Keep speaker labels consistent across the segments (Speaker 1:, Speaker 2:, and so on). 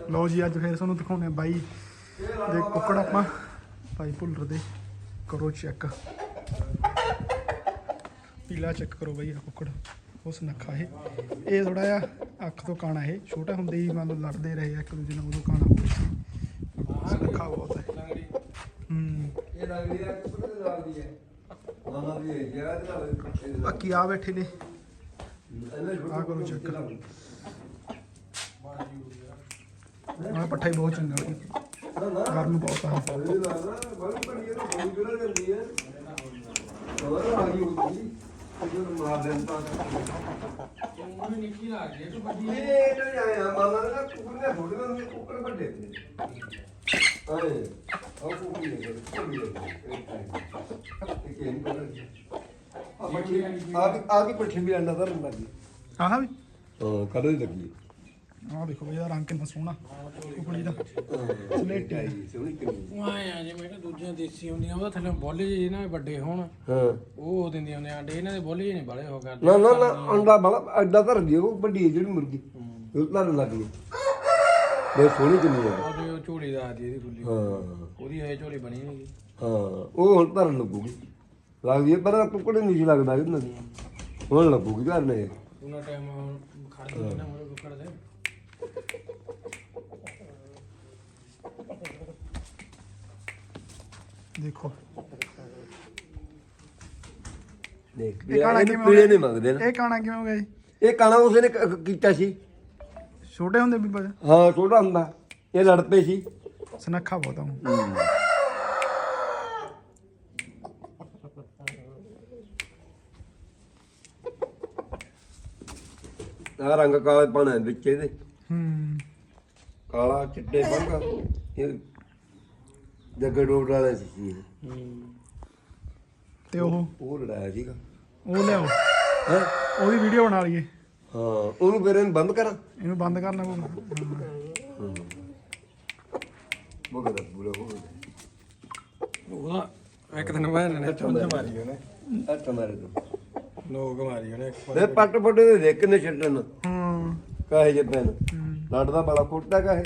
Speaker 1: ਲਓ ਜੀ ਅੱਜ ਫਿਰ ਤੁਹਾਨੂੰ ਦਿਖਾਉਂਦੇ ਬਾਈ ਦੇ ਕੁੱਕੜ ਆਪਾਂ ਭਾਈ ਭੁੱਲਰ ਦੇ ਕਰੋ ਚੈੱਕ ਪੀਲਾ ਚੈੱਕ ਕਰੋ ਬਾਈ ਆ ਕੁੱਕੜ ਉਸ ਨੱਖਾ ਇਹ ਥੋੜਾ ਜਿਹਾ ਅੱਖ ਤੋਂ ਕਾਣਾ ਇਹ ਛੋਟਾ ਹੁੰਦੇ ਹੀ ਮੰਨ ਲਓ ਲੜਦੇ ਰਹੇ ਇੱਕ ਦੂਜੇ ਨਾਲ ਉਦੋਂ ਕਾਣਾ ਹੋ ਗਿਆ ਸੀ ਨੱਖਾ ਬਹੁਤ ਹੈ
Speaker 2: ਇਹ ਲੱਗਦੀ ਹੈ ਕੁੱਕੜ ਦੇ ਨਾਲ ਦੀ ਹੈ ਮਾਮਾ ਵੀ ਹੈ ਜਿਹੜਾ ਦੇ ਨਾਲ
Speaker 1: ਬਾਕੀ ਆ ਬੈਠੇ ਨੇ ਆ ਕਰੋ ਚੈੱਕ ਆ ਪੱਠਾ ਹੀ ਬਹੁਤ ਚੰਗਾ ਗਰਮ ਬਹੁਤ ਆ
Speaker 2: ਮਾਰ ਦਿੰਦਾ ਨਿੱਕੀ ਲੱਗ ਗਈ ਤੂੰ ਵੱਡੀ ਇਹ ਨਹੀਂ ਆਇਆ ਮਾਮਾ ਨੇ ਕੁੱਕੜ ਨੇ ਥੋੜੇ ਨੇ ਕੁੱਕੜ ਵੱਡੇ ਨੇ ਆਏ ਉਹ ਕੁੱਕੜ ਨੇ ਆ ਵੀ ਪੱਠੀ ਵੀ ਅੰਡਾ ਧਰਨ ਲੱਗੀ
Speaker 1: ਆਹ ਵੀ
Speaker 2: ਹਾਂ ਕਦੋਂ ਹੀ ਲੱਗੀ
Speaker 1: ਆਹ ਦੇਖੋ ਬਈ ਇਹਦਾ ਰੰਗ ਕਿੰਨਾ ਸੋਹਣਾ ਕੁਕੜੀ ਦਾ ਸਲੇਟੀ
Speaker 2: ਸੋਹਣੀ ਕਿੰਨੀ
Speaker 3: ਉਹ ਆਏ ਆ ਜਿਵੇਂ ਕਿ ਦੂਜੀਆਂ ਦੇਸੀ ਹੁੰਦੀਆਂ ਉਹਦਾ ਥੱਲੇ ਬੋਲੇ ਜਿਹੇ ਨਾ ਵੱਡੇ ਹੋਣ
Speaker 2: ਹਾਂ
Speaker 3: ਉਹ ਦਿੰਦੀਆਂ ਹੁੰਦੀਆਂ ਆਂਡੇ ਇਹਨਾਂ ਦੇ ਬੋਲੇ ਜਿਹੇ ਨਹੀਂ ਬਾਲੇ ਹੋ ਕਰਦੇ
Speaker 2: ਨਾ ਨਾ ਨਾ ਅੰਡਾ ਬੜਾ ਅੱਡਾ ਧਰਦੀ ਉਹ ਵੱਡੀ ਜਿਹੜੀ ਮੁਰਗੀ ਉਹ ਧਰਨ ਲੱਗ ਗਈ ਬਹੁਤ ਸੋਹਣੀ ਕਿੰਨੀ ਹੈ
Speaker 3: ਉਹ ਝੋਲੀ ਦਾ ਆਦੀ ਇਹਦੀ ਖੁੱਲੀ
Speaker 2: ਹਾਂ
Speaker 3: ਉਹਦੀ ਹਜੇ ਝੋਲੀ ਬਣੀ ਨਹੀਂ
Speaker 2: ਹਾਂ ਉਹ ਹੁਣ ਧਰਨ ਲੱਗੂਗੀ ਲੱਗਦੀ ਹੈ ਪਰ ਕੁੱਕੜ ਨਹੀਂ ਸੀ ਲੱਗਦਾ ਇਹਨਾਂ ਦੀ ਹੁਣ ਲੱਗੂਗੀ ਘਰ ਨੇ
Speaker 3: ਉਹਨਾਂ ਟਾਈਮ ਖੜ ਕੇ ਨਾ ਮੋਰੇ ਕੁੱਕੜ ਦੇ
Speaker 1: ਦੇਖੋ
Speaker 2: ਦੇਖ
Speaker 1: ਇਹ ਕਾਣਾ
Speaker 2: ਇਹ
Speaker 1: ਕਿਵੇਂ
Speaker 2: ਪੀਲੇ ਨਹੀਂ ਮੰਗਦੇ ਨਾ
Speaker 1: ਇਹ ਕਾਣਾ ਕਿਵੇਂ ਹੋ ਗਿਆ ਜੀ
Speaker 2: ਇਹ ਕਾਣਾ ਉਸਨੇ ਕੀਤਾ ਸੀ
Speaker 1: ਛੋਟੇ ਹੁੰਦੇ ਵੀ ਬੜਾ
Speaker 2: ਹਾਂ ਛੋਟਾ ਹੁੰਦਾ ਇਹ ਲੜ ਪਏ ਸੀ
Speaker 1: ਸਨੱਖਾ ਬਹੁਤ ਆ
Speaker 2: ਆ ਰੰਗ ਕਾਲੇ ਪਾਣਾ ਵਿੱਚ ਇਹਦੇ ਕਾਲਾ ਚਿੱਟੇ ਪੰਗਾ ਇਹ ਜੱਗੇ ਡੋਡ ਵਾਲਾ ਸੀ
Speaker 1: ਤੇ ਉਹ
Speaker 2: ਲੜਾਇਆ ਸੀਗਾ
Speaker 1: ਉਹ ਲਿਆਓ
Speaker 2: ਹੈ
Speaker 1: ਉਹਦੀ ਵੀਡੀਓ ਬਣਾ ਲਈਏ
Speaker 2: ਹਾਂ ਉਹਨੂੰ ਫਿਰ ਇਹਨੂੰ ਬੰਦ ਕਰਾਂ
Speaker 1: ਇਹਨੂੰ ਬੰਦ ਕਰਨਾ ਪਊਗਾ
Speaker 2: ਬੋਗਦਾ ਬੁਲਾ
Speaker 3: ਉਹਦਾ ਇੱਕ ਦਿਨ ਬਾਅਦ ਨੇ ਚੁੰਝ ਮਾਰੀ ਉਹਨੇ
Speaker 2: ਅੱਟ ਮਾਰੇ ਤੂੰ
Speaker 3: ਲੋਕ ਮਾਰੀ ਉਹਨੇ
Speaker 2: ਇਹ ਪੱਟ ਪੱਟੇ ਦੇ ਦੇਖ ਕਿੰਨੇ ਛੱਡਣ ਕਾਹੇ ਜੇ ਪੈਨ ਲੜਦਾ ਬੜਾ ਫੁੱਟਦਾ ਕਾਹੇ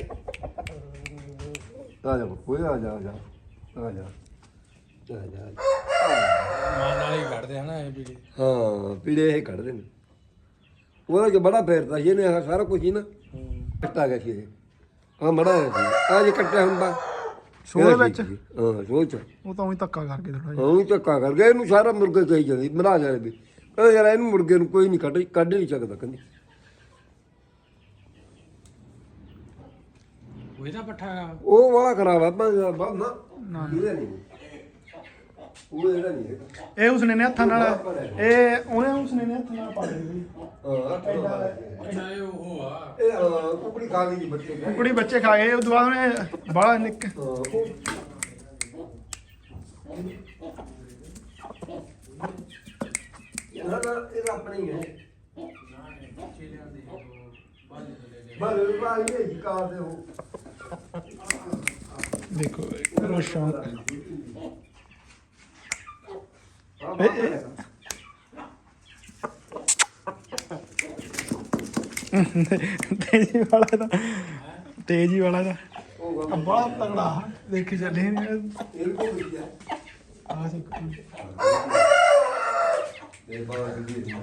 Speaker 2: ਆ ਜਾ ਕੋਈ ਆ ਜਾ ਆ ਜਾ ਆ ਜਾ ਆ ਜਾ
Speaker 3: ਮਾਂ ਨਾਲ ਹੀ ਕੱਢਦੇ ਹਨਾ ਇਹ ਵੀ
Speaker 2: ਹਾਂ ਪੀੜੇ ਇਹ ਕੱਢਦੇ ਨੇ ਉਹਦਾ ਜੋ ਬੜਾ ਫੇਰਦਾ ਸੀ ਇਹਨੇ ਆਹ ਸਾਰਾ ਕੁਝ ਹੀ ਨਾ ਕੱਟਾ ਗਿਆ ਸੀ ਇਹ ਆ ਮੜਾ ਸੀ ਆ ਜੇ ਕੱਟਿਆ ਹੁੰਦਾ
Speaker 1: ਸੋਹਣੇ ਵਿੱਚ
Speaker 2: ਹਾਂ ਸੋਚ
Speaker 1: ਉਹ ਤਾਂ ਉਹੀ ਧੱਕਾ ਕਰਕੇ ਥੋੜਾ ਜਿਹਾ
Speaker 2: ਹਾਂ ਧੱਕਾ ਕਰ ਗਿਆ ਇਹਨੂੰ ਸਾਰਾ ਮੁਰਗੇ ਕਹੀ ਜਾਂਦੀ ਮਰਾ ਜਾਣੇ ਵੀ ਕਹਿੰਦਾ ਯਾਰ ਇਹਨੂੰ ਮੁਰਗੇ ਨੂੰ ਕੋਈ ਨਹੀਂ ਕੱਢ ਨਹੀਂ ਸਕਦਾ ਕਹਿੰਦੀ
Speaker 3: ਉਹਦਾ ਪੱਠਾ
Speaker 2: ਉਹ ਵਾਲਾ ਖਰਾਬ ਆ ਨਾ ਇਹਦਾ ਨਹੀਂ ਉਹ ਇਹਦਾ ਨਹੀਂ ਹੈਗਾ
Speaker 1: ਇਹ ਉਸਨੇ ਨੇ ਹੱਥਾਂ ਨਾਲ ਇਹ ਉਹਨੇ ਉਸਨੇ ਨੇ ਹੱਥਾਂ ਨਾਲ ਪਾ ਲਈ
Speaker 3: ਚਾਹੇ ਉਹ ਆ
Speaker 2: ਇਹ ਕੁਕੜੀ ਖਾ ਗਈ ਬੱਚੇ
Speaker 1: ਕੁਕੜੀ ਬੱਚੇ ਖਾ ਗਏ ਉਹ ਦੁਬਾਰਾ ਉਹਨੇ ਬਾਹਲਾ ਨਿੱਕ
Speaker 2: ਇਹ ਆਪਣਾ ਹੀ ਹੈ ਬਲ ਬਾਈ ਇਹ ਕਾਰ ਦੇ ਹੋ
Speaker 1: ਦੇਖੋ ਕਰੋ ਸ਼ੌਂਕ ਤੇਜੀ ਵਾਲਾ ਦਾ ਤੇਜੀ ਵਾਲਾ ਦਾ ਬੜਾ ਤਗੜਾ ਦੇਖੀ ਚੱਲੇ
Speaker 2: ਇਹ ਕੋ ਵੀ ਹੈ
Speaker 1: ਆ ਸਿੱਖ
Speaker 2: ਇਹ ਬਾਹਰ ਦੀ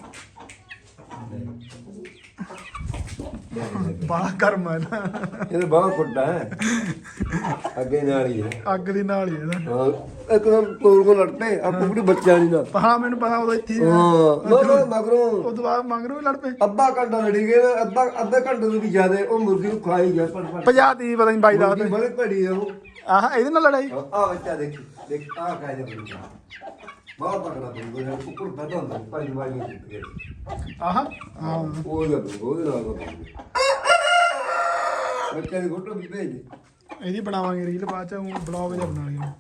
Speaker 1: ਬੜਾ ਗਰਮ ਹੈ ਨਾ
Speaker 2: ਇਹ ਬਾਹਰ ਫੁੱਟਾ ਹੈ ਅੱਗੇ ਨਾਲ ਹੀ ਹੈ
Speaker 1: ਅੱਗ ਦੀ ਨਾਲ ਹੀ ਇਹਦਾ
Speaker 2: ਹਾਂ ਇੱਕਦਮ ਕੋਲ ਕੋ ਲੜਤੇ ਆ ਕੁਕੜੀ ਬੱਚਾ ਨਹੀਂ ਨਾ
Speaker 1: ਹਾਂ ਮੈਨੂੰ ਪਤਾ ਉਹਦਾ ਇੱਥੇ ਹੀ ਆ।
Speaker 2: ਹਾਂ ਨਾ ਮਗਰੋਂ
Speaker 1: ਉਹ ਤੋਂ ਬਾਅਦ ਮੰਗਰੋਂ ਵੀ ਲੜ ਪਏ
Speaker 2: ਅੱਧਾ ਘੰਟਾ ਲੜੀ ਗਏ ਅੱਧੇ ਘੰਟੇ ਤੋਂ ਵੀ ਜ਼ਿਆਦਾ ਉਹ ਮੁਰਗੀ ਨੂੰ ਖਾਈ ਗਿਆ ਪਰ
Speaker 1: ਪੰਜਾਹ ਦੀ ਪਤਾ ਨਹੀਂ ਬਾਈ ਦਾ
Speaker 2: ਬੜੀ ਭੜੀ ਹੈ ਉਹ
Speaker 1: ਆਹ ਇਹਦੇ ਨਾਲ ਲੜਾਈ
Speaker 2: ਆ ਬੱਚਾ ਦੇਖ ਆ ਕਾਇਦੇ ਬੜੀ ਬਹੁਤ ਤਕੜਾ ਬੜੀ ਉਹ ਕੁੱਕੜ ਪੈਦਾ ਹੁੰਦਾ ਪੰਜ ਵਾਰੀ ਟੁੱਟ ਗਿਆ
Speaker 1: ਆਹ ਹਾਂ
Speaker 2: ਉਹਦੇ ਨਾਲ ਬੱਚੇ ਦੀ ਫੋਟੋ ਵੀ ਭੇਜ
Speaker 1: ਇਹਦੀ ਬਣਾਵਾਂਗੇ ਰੀਲ ਬਾਅਦ ਚ ਬਲੌਗ ਜਿਹਾ ਬਣਾ ਲਈਏ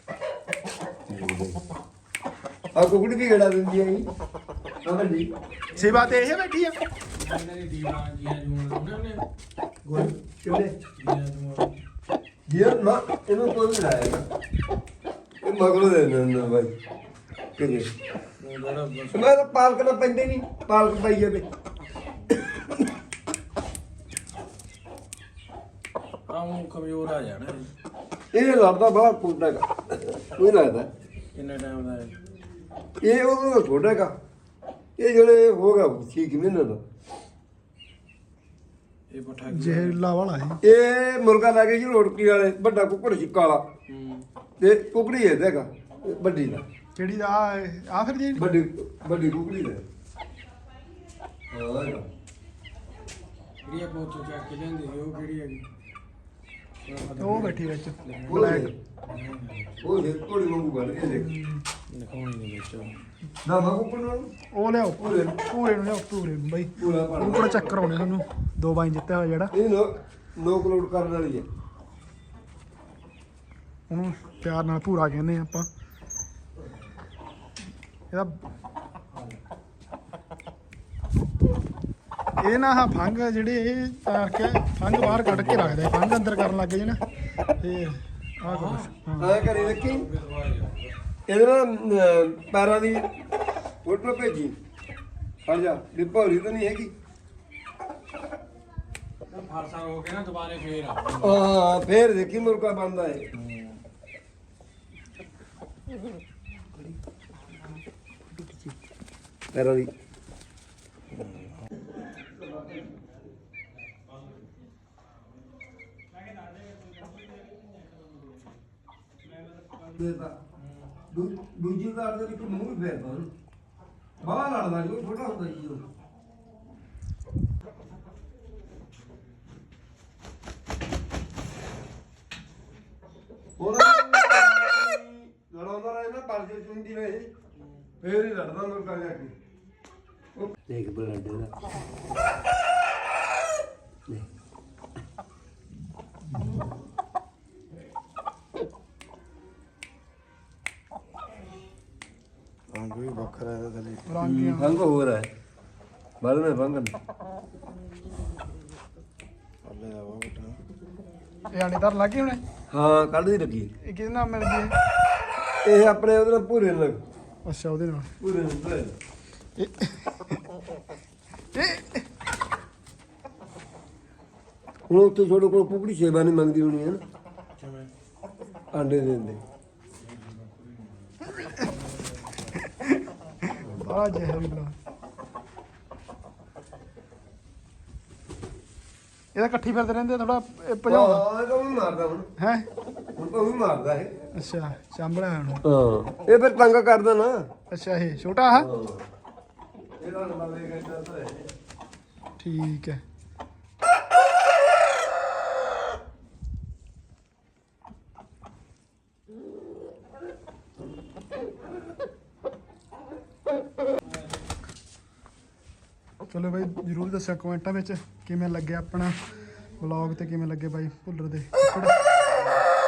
Speaker 2: ਆ ਕੁਕੜੀ ਵੀ ਗੜਾ ਦਿੰਦੀ ਹੈ ਜੀ ਸਮਝ ਜੀ
Speaker 1: ਸੇਵਾ ਤੇ ਇਹ ਬੈਠੀ ਆ
Speaker 3: ਇਹਨਾਂ ਦੀ ਦੀਵਾਂ ਜੀਆਂ ਜੂਣ ਉਹਨੇ
Speaker 2: ਗੋਲ ਕਿਹੜੇ
Speaker 3: ਜੀਆਂ ਜੂਣ
Speaker 2: ਜੀ ਨਾ ਇਹਨੂੰ ਕੋਈ ਨਹੀਂ ਲਾਏਗਾ ਇਹ ਮਗਰੋਂ ਦੇ ਦਿੰਦਾ ਬਾਈ ਕਿਹਦੇ ਮੈਂ ਤਾਂ ਪਾਲਕ ਨਾ ਪੈਂਦੇ ਨਹੀਂ ਪਾਲਕ ਪਾਈ ਜਾਵੇ
Speaker 3: ਉਹ ਕਮਜ਼ੋਰ ਆ ਜਾਣਾ
Speaker 2: ਇਹ ਲੜਦਾ ਬੜਾ ਕੁੱਟਦਾ ਹੈਗਾ ਕੋਈ ਲੱਗਦਾ
Speaker 3: ਕਿੰਨੇ ਟਾਈਮ ਦਾ ਹੈ
Speaker 2: ਇਹ ਉਹਦਾ ਛੋਟਾ ਹੈਗਾ ਇਹ ਜਿਹੜੇ ਹੋ ਗਿਆ 6 ਮਹੀਨੇ ਦਾ
Speaker 3: ਇਹ ਪੱਠਾ
Speaker 1: ਜ਼ਹਿਰੀਲਾ ਵਾਲਾ ਹੈ
Speaker 2: ਇਹ ਮੁਰਗਾ ਲੱਗੇ ਜੀ ਰੋੜਕੀ ਵਾਲੇ ਵੱਡਾ ਕੁੱਕੜ ਸੀ ਕਾਲਾ ਤੇ ਕੁਕੜੀ ਇਹਦਾ ਹੈਗਾ ਵੱਡੀ ਦਾ
Speaker 1: ਕਿਹੜੀ ਦਾ ਆ ਫਿਰ ਜੀ
Speaker 2: ਵੱਡੀ ਵੱਡੀ ਕੁਕੜੀ ਦਾ ਹਾਂ
Speaker 3: ਕਿਹੜੀ ਬਹੁਤ ਚੱਕ ਕੇ ਲੈਂਦੇ ਸੀ ਉਹ ਕਿਹੜੀ ਹੈਗੀ
Speaker 1: ਉਹ ਬੈਠੀ ਵਿੱਚ
Speaker 2: ਉਹ ਜੇ ਕੋੜੀ ਵਾਂਗੂ ਬਣ ਕੇ ਦੇਖ
Speaker 3: ਦਿਖਾਉਣੀ ਦੇ ਵਿੱਚ
Speaker 2: ਨਾ ਮਾ ਕੁਕੜ ਨੂੰ
Speaker 1: ਉਹ ਲਿਆਓ ਪੂਰੇ ਨੂੰ ਲਿਆਓ ਪੂਰੇ ਨੂੰ ਬਾਈ
Speaker 2: ਪੂਰਾ ਪੜ
Speaker 1: ਉਹ ਕੋਲ ਚੱਕਰ ਆਉਣੇ ਸਾਨੂੰ 2 ਬਾਈ ਜਿੱਤਿਆ ਹੋਇਆ ਜਿਹੜਾ
Speaker 2: ਇਹ ਨੋ ਕਲੋਡ ਕਰਨ ਵਾਲੀ ਹੈ
Speaker 1: ਉਹਨੂੰ ਪਿਆਰ ਨਾਲ ਪੂਰਾ ਕਹਿੰਦੇ ਆ ਆਪਾਂ ਇਹਦਾ ਇਹ ਨਾ ਆਹ ਫੰਗ ਜਿਹੜੇ ਇਹ ਤਾਰ ਕੇ ਫੰਗ ਬਾਹਰ ਕੱਢ ਕੇ ਰੱਖਦੇ ਫੰਗ ਅੰਦਰ ਕਰਨ ਲੱਗ ਜੇ ਨਾ ਤੇ ਆਹ ਕੁਛ ਹਾਂ
Speaker 2: ਐ ਕਰੀ ਦੇਖੀ ਇਹਦੇ ਨਾਲ ਪੈਰਾਂ ਦੀ ਫੋਟੋ ਭੇਜੀ ਫੜ ਜਾ ਡਿੱਪੋਰੀ ਤਾਂ ਨਹੀਂ ਹੈਗੀ
Speaker 3: ਫਰਸਾ ਹੋ ਕੇ ਨਾ ਦੁਬਾਰੇ ਫੇਰ ਆ
Speaker 2: ਹਾਂ ਫੇਰ ਦੇਖੀ ਮੁਰਗਾ ਬੰਦਾ ਹੈ ਪੈਰਾਂ ਦੀ ਦੂਜੀ ਕਾਰ ਦੇ ਵਿੱਚ ਮੂੰਹ ਵੀ ਫੇਰਦਾ ਬਾਹਰ ਲੜਦਾ ਜੀ ਛੋਟਾ ਹੁੰਦਾ ਜੀ ਉਹ ਲੜਾਉਂਦਾ ਰਹੇ ਨਾ ਪਰਜੇ ਚੁੰਦੀ ਰਹੇ ਫੇਰ ਹੀ ਲੜਦਾ ਲੋਕਾਂ ਜਾ ਕੇ ਦੇਖ ਬਲੱਡੇ ਦਾ
Speaker 3: ਰੰਗ ਵੀ ਵੱਖਰਾ ਹੈ ਥਲੇ
Speaker 1: ਰੰਗੀਆਂ
Speaker 2: ਰੰਗ ਹੋਰ ਹੈ ਬਾਲ में रंग
Speaker 3: ਅੱਲੇ ਦਾ ਵਾ ਬਟਾ
Speaker 1: ਇਹ ਆਣੇਦਾਰ ਲੱਗੇ ਹੁਣੇ
Speaker 2: ਹਾਂ ਕੱਢ ਦੀ ਲੱਗੀ
Speaker 1: ਇਹ ਕਿਹਦੇ ਨਾਲ ਮਿਲ ਗਈ
Speaker 2: ਇਹ ਆਪਣੇ ਉਹਦੇ ਨਾਲ ਪੂਰੇ ਨਾਲ
Speaker 1: ਅੱਛਾ ਉਹਦੇ ਨਾਲ
Speaker 2: ਪੂਰੇ ਨਾਲ ਹੁਣ ਉੱਥੇ ਛੋਟੇ ਕੋਲ ਕੁਕੜੀ ਸੇਵਾ ਨਹੀਂ ਮੰਗਦੀ ਹੋਣੀ ਹੈ ਨਾ
Speaker 3: ਕਿਵੇਂ
Speaker 2: ਆਂਡੇ ਦਿੰਦੇ
Speaker 1: ਬੜਾ ਜ਼ਹਿਰੀਲਾ ਇਹਦਾ ਇਕੱਠੀ ਫਿਰਦੇ ਰਹਿੰਦੇ ਥੋੜਾ ਭਜਾਉਂਦਾ
Speaker 2: ਹਾਂ ਇਹ ਤਾਂ ਵੀ ਮਾਰਦਾ ਹੁਣ
Speaker 1: ਹੈ
Speaker 2: ਹੁਣ ਤਾਂ ਵੀ ਮਾਰਦਾ ਇਹ
Speaker 1: ਅੱਛਾ ਚਾਂਬੜਾ ਹੁਣ
Speaker 2: ਹਾਂ ਇਹ ਫਿਰ ਤੰਗ ਕਰਦਾ ਨਾ
Speaker 1: ਅੱਛਾ ਇਹ ਛੋਟਾ ਆ
Speaker 2: ਇਹਦਾ ਨੰਬਰ ਲੈ ਕੇ ਚੱਲਦਾ ਹੈ
Speaker 1: ਠੀਕ ਹੈ ਚਲੋ ਬਾਈ ਜਰੂਰ ਦੱਸਿਓ ਕਮੈਂਟਾਂ ਵਿੱਚ ਕਿਵੇਂ ਲੱਗਿਆ ਆਪਣਾ ਵਲੌਗ ਤੇ ਕਿਵੇਂ ਲੱਗੇ ਬਾਈ ਭੁੱਲਰ ਦੇ ਕੁੱਕੜ